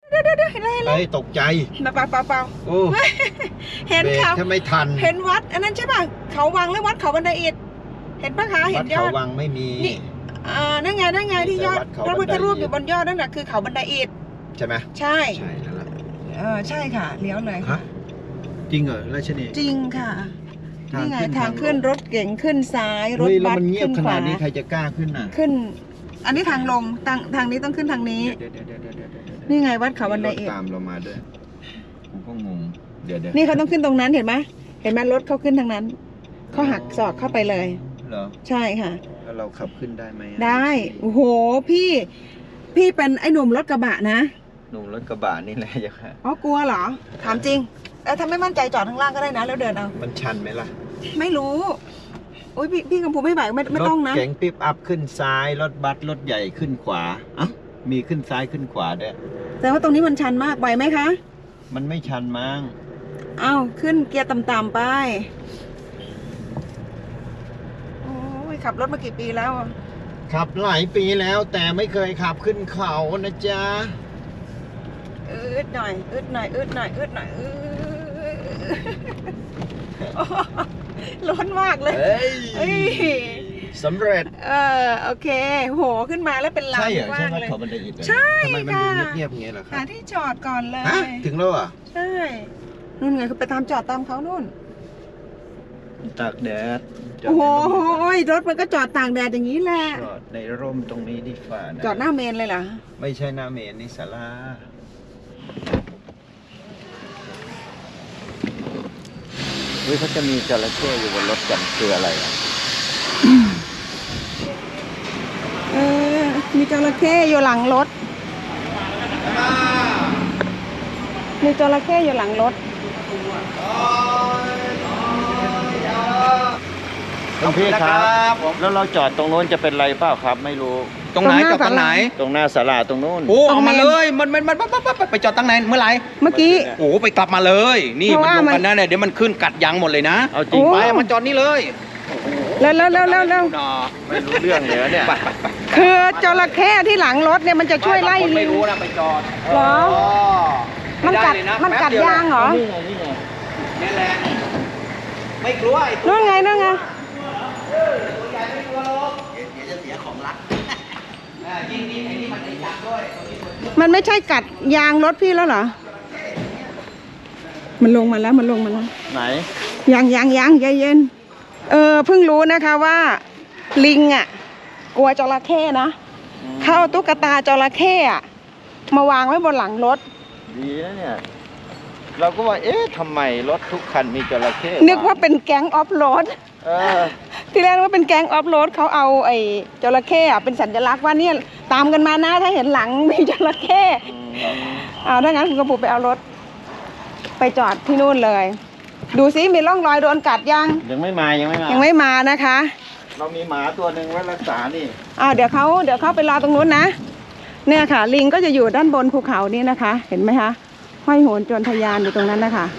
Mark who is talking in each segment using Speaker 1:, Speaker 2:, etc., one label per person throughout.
Speaker 1: เดี๋ยวเห็นอะไร
Speaker 2: เฮ้ยตกใจ
Speaker 1: เปล่า
Speaker 2: โอ้
Speaker 1: เห็นเขา
Speaker 2: ถ้าไม่ทัน
Speaker 1: เห็นวัดอันนั้นใช่ป่ะเขาวังหรือวัดเขาบันไดอิฐเห็นปะคะเห็นยอด
Speaker 2: วัดเขาวังไม่มี
Speaker 1: นี่นั่นไงที่ยอดพระพุทธรูปอยู่บนยอดนั่นแหละคือเขาบันไดอิฐ
Speaker 2: ใช่ไหม
Speaker 1: ใช่
Speaker 2: นั่นแหละ
Speaker 1: ใช่ค่ะเลี้ยวเลย
Speaker 2: ฮะจริงเหรอราชนี
Speaker 1: จริงค่ะนี่ไงทางขึ้นรถเก๋งขึ้นซ้ายรถบัส
Speaker 2: ขึ้นขวานี้ใครจะกล้าขึ้นน่ะ
Speaker 1: ขึ้นอันนี้ทางลงทางนี้ต้องขึ้นทางนี้นี่ไงวัดเขาบันไดอิฐ
Speaker 2: ตามเรามาด้วยกูก็งงเดี๋ยว
Speaker 1: นี่เขาต้องขึ้นตรงนั้นเห็นไหมรถเขาขึ้นทางนั้นเขาหักศอกเข้าไปเลย
Speaker 2: เหรอ
Speaker 1: ใช่ค่ะ
Speaker 2: แล้วเราขับขึ้นได้ไหม
Speaker 1: ได้โอ้โหพี่เป็นไอ้หนุ่มรถกระบะนะ
Speaker 2: หนุ่มรถกระบะนี่แหละยังไง
Speaker 1: อ๋อกลัวเหรอถามจริงถ้าไม่มั่นใจจอดข้างล่างก็ได้นะแล้วเดินเอา
Speaker 2: มันชันไหมล่ะ
Speaker 1: ไม่รู้อุ้ยพี่กำพูไม่ไหวไม่ต้องนะ
Speaker 2: รถเก๋งปิ๊บอัพขึ้นซ้ายรถบัสรถใหญ่ขึ้นขวามีขึ้นซ้ายขึ้นขวาด้วย
Speaker 1: แต่ว่าตรงนี้มันชันมากไหวไหมคะ
Speaker 2: มันไม่ชันมั้ง
Speaker 1: ขึ้นเกียร์ต่ำๆไปโอ้ยขับรถมากี่ปีแล้ว
Speaker 2: ขับหลายปีแล้วแต่ไม่เคยขับขึ้นเขานะจ๊ะ
Speaker 1: อึดหน่อยร้อนมากเลย
Speaker 2: สำเร็จ
Speaker 1: โอเคโหขึ้นมาแล้วเป็นลานกว้างเลยใช่
Speaker 2: ทำไมมันดูเงียบๆอย่างเงี้ยล่ะครับ
Speaker 1: หาที่จอดก่อนเลย
Speaker 2: ถึงแล้วอ่ะ
Speaker 1: ใช่นู่นไงเขาไปจอดตามเขานู่น
Speaker 2: ตากแดด
Speaker 1: โอ้โหรถมันก็จอดตากแดดอย่างนี้แหละ
Speaker 2: จอดในร่มตรงนี้ดีฝ่า
Speaker 1: จอดหน้าเมนเลยเหรอ
Speaker 2: ไม่ใช่หน้าเมนนี่ศาลาเขาจะมีจระเข้อยู่บนรถกันคืออะไร
Speaker 1: มีจระเข้อยู่หลังรถมีจระเข้อยู่หลังรถ
Speaker 2: คุณพี่ครับแล้วเราจอดตรงโน้นจะเป็นไรเปล่าครับไม่รู้
Speaker 3: ตรงไหนจอดตรงไหน
Speaker 2: ตรงหน้าศาลาตรงโน้น
Speaker 3: โอ้เอามาเลยมันไปจอดตั้งไหนเมื่อไหร่
Speaker 1: เมื่อกี้
Speaker 3: โอ้ไปกลับมาเลยนี่มันลงกันนะเนี่ยเดี๋ยวมันขึ้นกัดยางหมดเลยนะ
Speaker 2: เอาจริง
Speaker 3: ไปมันจอดนี่เลย
Speaker 1: แล้ว
Speaker 2: ไม่รู้เรื่องเลยเนี่ย
Speaker 1: คือจระเข้ที่หลังรถเนี่ยมันจะช่วยไล่ลิง
Speaker 3: ไม่รู้นะไปจอด
Speaker 1: เหรอมันกัดยางเหรอ
Speaker 3: นี่แหละไม่กลัว
Speaker 1: นู่นไง
Speaker 3: ตัวใหญ่ไม่กลัวหรอกเดี๋ยวจะเสียของรักยิ่งไอ้นี่มันจะจับด้วย
Speaker 1: มันไม่ใช่กัดยางรถพี่แล้วเหรอมันลงมาแล้ว
Speaker 2: ไหน
Speaker 1: ยังใจเย็นเพิ่งรู้นะคะว่าลิงกลัวจระเข้นะเขาเอาตุ๊กตาจระเข้มาวางไว้บนหลังรถ
Speaker 2: ดีนะเนี่ยเราก็ว่าทำไมรถทุกคันมีจระเข้
Speaker 1: นึกว่าเป็นแก๊งออฟโรดที่แรกว่าเป็นแก๊งออฟโรดเขาเอาไอ้จระเข้เป็นสัญลักษณ์ว่าเนี่ยตามกันมานะถ้าเห็นหลังมีจระเข้ถ้างั้นคุณกระปุกไปเอารถไปจอดที่นู่นเลยดูซิมีร่องรอยโดนกัด
Speaker 2: ยังไม่
Speaker 1: มานะคะ
Speaker 2: เรามีหมาตัวหนึ่งไว้รักษานี่
Speaker 1: เดี๋ยวเขาไปรอตรงนู้นนะเนี่ยค่ะลิงก็จะอยู่ด้านบนภูเขานี่นะคะเห็นไหมคะห้อยโหนจนทยานอยู่ตรงนั้นนะคะ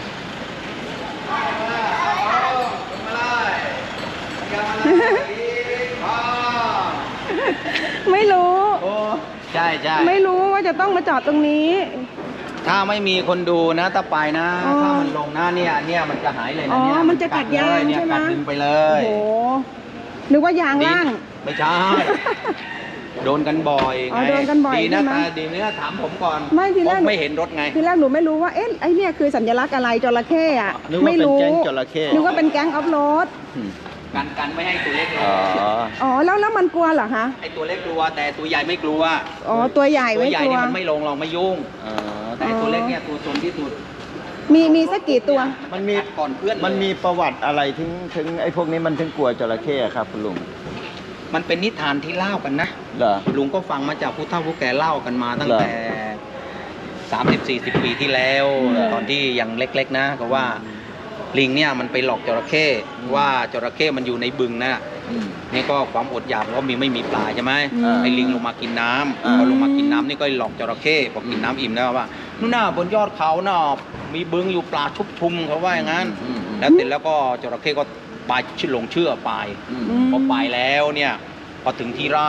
Speaker 1: ไม่รู้
Speaker 3: ใช่
Speaker 1: ไม่รู้ว่าจะต้องมาจอดตรงนี้
Speaker 3: ถ้าไม่มีคนดูนะถ้าไปนะถ้ามันลงหน้าเนี่ยมันจะหายเลยนะเนี่ย
Speaker 1: มันจะกัดยางใช่ไหม
Speaker 3: กัดดึงไปเลย
Speaker 1: โอ้นึกว่ายางล่าง
Speaker 3: ไม่ใช่โดนกันบ่อยไงดีนะดีเนื้อถามผมก่อนไม่เห็นรถไง
Speaker 1: ทีแรกหนูไม่รู้ว่าไอ้เนี่ยคือสัญลักษณ์อะไรจระเข้ไม่รู้นึกว่าเป็นแก๊งออฟโรด
Speaker 3: กันไม่ให้ตัวเล็กเลย
Speaker 1: แล้วมันกลัวเหรอคะ
Speaker 3: ไอตัวเล็กกลัวแต่ตัวใหญ่ไม่กลัว
Speaker 1: ตัวใหญ่ไม่
Speaker 3: กลัวมันไม่ลงเราไม่ยุ่งแต่ตัวเล็กเนี่ยตัวซนที่สุด
Speaker 1: มีสักกี่ตัว
Speaker 2: มันมี
Speaker 3: ก่อนเพื่อน
Speaker 2: มันมีประวัติอะไรถึงไอ้พวกนี้มันถึงกลัวจระเข้ครับคุณลุง
Speaker 3: มันเป็นนิทานที่เล่ากันนะลุงก็ฟังมาจากผู้เฒ่าผู้แก่เล่ากันมาตั้งแต่30-40 ปีที่แล้วตอนที่ยังเล็กๆนะก็ว่าลิงเนี่ยมันไปหลอกจระเข้ว่าจระเข้มันอยู่ในบึงนะนี่ก็ความอดอยากเพราะไม่มีปลาใช่ไหมไอ้ลิงลงมากินน้ำพอลงมากินน้ำนี่ก็หลอกจระเข้พอกินน้ำอิ่มแล้วว่านู่นน่ะบนยอดเขาน่ะมีบึงอยู่ปลาชุบชุมเขาว่าอย่างนั้นแล้วเสร็จแล้วก็จระเข้ก็ไปเชื่อไปพอไปแล้วเนี่ยพอถึงที่ราบ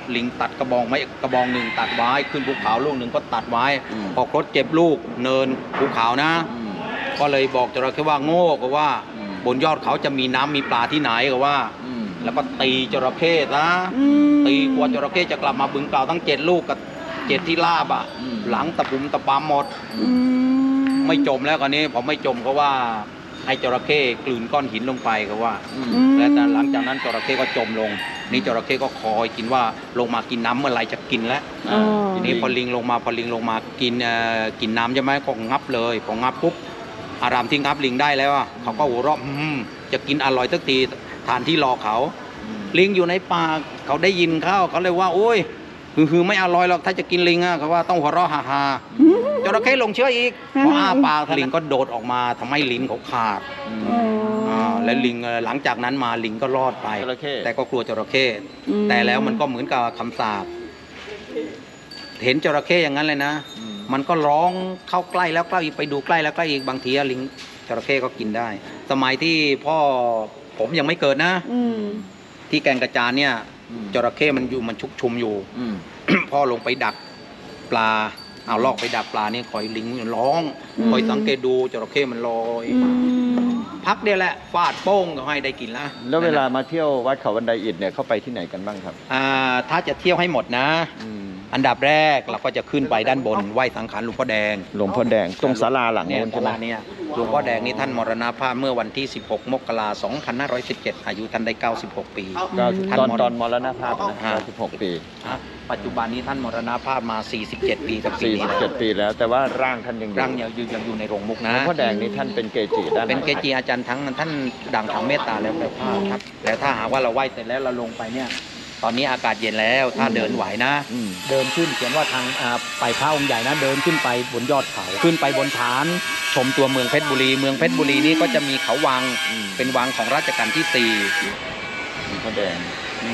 Speaker 3: ลิงตัดกระบองไม้กระบองหนึ่งตัดไว้ขึ้นภูเขาลูกหนึ่งก็ตัดไว้พอครบ7 ลูกเนินภูเขานะก็เลยบอกจระเข้ว่าโง่ก็ว่าบนยอดเขาจะมีน้ำมีปลาที่ไหนก็ว่าแล้วก็ตีจระเข้นะตีกว่าจระเข้จะกลับมาบึงเก่าทั้ง7 ลูกกับ7 ที่ลาบอ่ะหลังตะปุ่มตะปามหมดไม่จมแล้วคราวนี้พอไม่จมก็ว่าให้จระเข้กลืนก้อนหินลงไปก็ว่าและหลังจากนั้นจระเข้ก็จมลงนี่จระเข้ก็คอยกินว่าลงมากินน้ำเมื่อไรจะกินแล้วทีนี้พอลิงลงมากินน้ำใช่ไหมก็งับเลยพองับปุ๊บอารามที่งับลิงได้แล้วเขาก็หัวเราะจะกินอร่อยสักทีทานที่รอเขาลิงอยู่ในป่าเขาได้ยินเขาเลยว่าโอ้ยคือไม่อร่อยหรอกถ้าจะกินลิงเขาว่าต้องหัวเราะฮ่าๆจระเข้ลงเชื่ออีกพออ้าปากลิงก็โดดออกมาทำให้ลิ้นเขาขาดและลิงหลังจากนั้นมาลิงก็รอดไปแต่ก็กลัวจระเข้แต่แล้วมันก็เหมือนกับคำสาปเห็นจระเข้อย่างนั้นเลยนะมันก็ร้องเข้าใกล้แล้วใกล้อีกไปดูใกล้แล้วใกล้อีกบางทีลิงจระเข้ก็กินได้สมัยที่พ่อผมยังไม่เกิดนะที่แกงกระจานเนี่ยจระเข้มันชุกชุมอยู่พ่อลงไปดักปลาเอาลอกไปดักปลานี่คอยลิงร้องคอยสังเกตดูจระเข้มันลอยพักเดียวแหละฟาดโป้งก็ให้ได้กินแล้ว
Speaker 2: เวลามาเที่ยววัดเขาบันไดอิฐเนี่ยเข้าไปที่ไหนกันบ้างครับ
Speaker 3: ถ้าจะเที่ยวให้หมดนะอันดับแรกเราก็จะขึ้นไปด้านบนไหว้สังขารหลวงพ่อแดง
Speaker 2: ตรงศาลาหลัง
Speaker 3: นู้นใช่ไหมเนี่ยหลวงพ่อแดงนี่ท่านมรณภาพเมื่อวันที่16 มกราคม 2517อายุท่านได้96 ปี
Speaker 2: ตอนมรณภาพนะ96 ปี
Speaker 3: ปัจจุบันนี้ท่านมรณภาพมา47 ปีกับ
Speaker 2: 47 ปีแล้วแต่ว่าร่างท่านยัง
Speaker 3: อยู่ในโรงมุกนะ
Speaker 2: หลวงพ่อแดงนี่ท่านเป็นเกจิ
Speaker 3: เป็นเกจิอาจารย์ทั้งท่านดังทางเมตตาแล้วแต่ภาพครับแต่ถ้าหากว่าเราไหว้เสร็จแล้วเราลงไปเนี่ยตอนนี้อากาศเย็นแล้วถ้าเดินไหวนะเดินขึ้นเขียนว่าทางไปพระองค์ใหญ่นะเดินขึ้นไปบนยอดเขาขึ้นไปบนฐานชมตัวเมืองเพชรบุรีเมืองเพชรบุรีนี่ก็จะมีเขาวังเป็นวังของรัชกาลที่
Speaker 2: 4หลวงพ่อแดง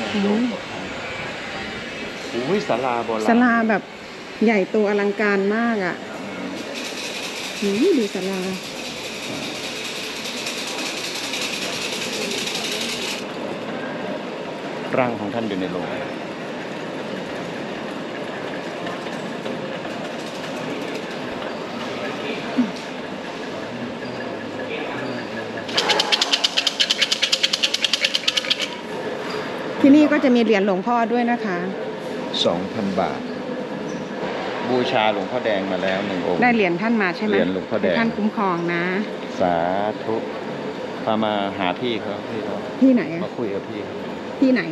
Speaker 2: นี่ศาลาโบราณ
Speaker 1: ศาลาแบบใหญ่โตอลังการมากอ่ะดูศาลา
Speaker 2: ร่างของท่านอยู่ในโลง
Speaker 1: ที่นี่ก็จะมีเหรียญหลวงพ่อด้วยนะคะ
Speaker 2: 2,000 บาทบูชาหลวงพ่อแดงมาแล้ว1 องค์
Speaker 1: ได้เหรียญท่านมาใช่ไหม
Speaker 2: เหรียญหลวงพ่อแดง
Speaker 1: ท่านคุ้มครองนะ
Speaker 2: สาธุพามาหาพี่เขา
Speaker 1: ที่ไหน
Speaker 2: มาคุยกับพี่
Speaker 1: ที่ไหน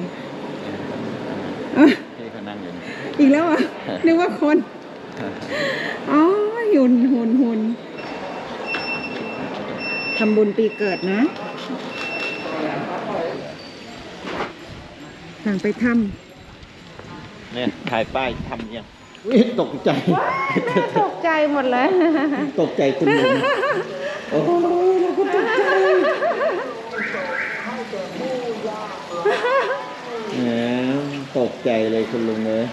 Speaker 2: พี่เขานั่งอยู่
Speaker 1: อีกแล้วอ่ะนึกว่าคนอ๋อหุ่นทำบุญปีเกิดนะทางไปท
Speaker 2: ำเนี่ยถ่ายป้ายทำยังตกใจ
Speaker 1: ตกใจหมดเลย
Speaker 2: ตกใจคุณลุงโอ้เราก็ตกใจตกใจเลยคุณลุงเลย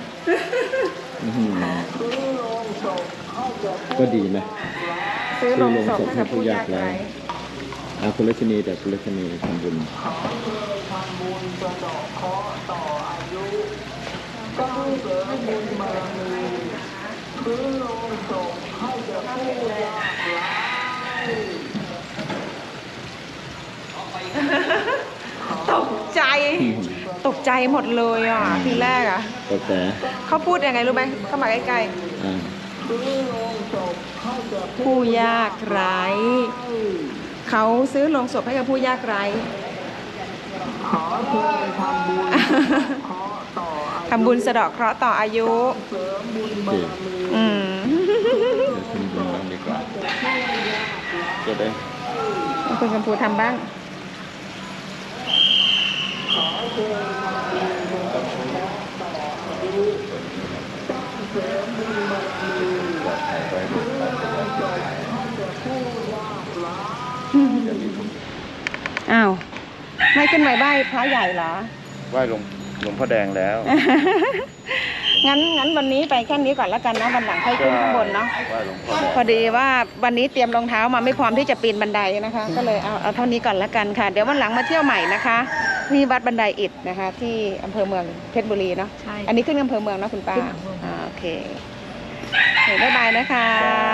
Speaker 2: ก็ดีนะ
Speaker 1: ซื้อลงศพให้ผู้ยากไร้
Speaker 2: คุณรัชนีแต่คุณรัชนีทำบุญ
Speaker 1: ตกใจหมดเลยอ่ะทีแรกอ่ะเขาพูดยังไงรู้ไหมเข้ามาใกล้ๆผู้ยากไร้เขาซื้อโลงศพให้กับผู้ยากไร้ทำบุญสะเดาะเคราะห์ต่ออายุ
Speaker 2: ดีกว่าจะได้
Speaker 1: คุณกำพูทำบ้างอ้าวไม่ขึ้นไปไหว้พระใหญ่เหรอ
Speaker 2: ไหว้หลวงพ่อแดงแล้ว
Speaker 1: งั้นวันนี้ไปแค่นี้ก่อนแล้วกันนะวันหลังค่อยขึ้นข้างบนเนาะพอดีว่าวันนี้เตรียมรองเท้ามาไม่พร้อมที่จะปีนบันไดนะคะก็เลยเอาเท่านี้ก่อนแล้วกันค่ะเดี๋ยววันหลังมาเที่ยวใหม่นะคะนี่วัดบันไดอิฐนะคะ ที่อำเภอเมืองเพชรบุรีเนาะ
Speaker 4: ใช่
Speaker 1: อันนี้ขึ้นอำเภอเมืองนะคุณป้า
Speaker 4: ขึ้นอำเภอเมือง
Speaker 1: โอเคบ๊ายบายนะคะ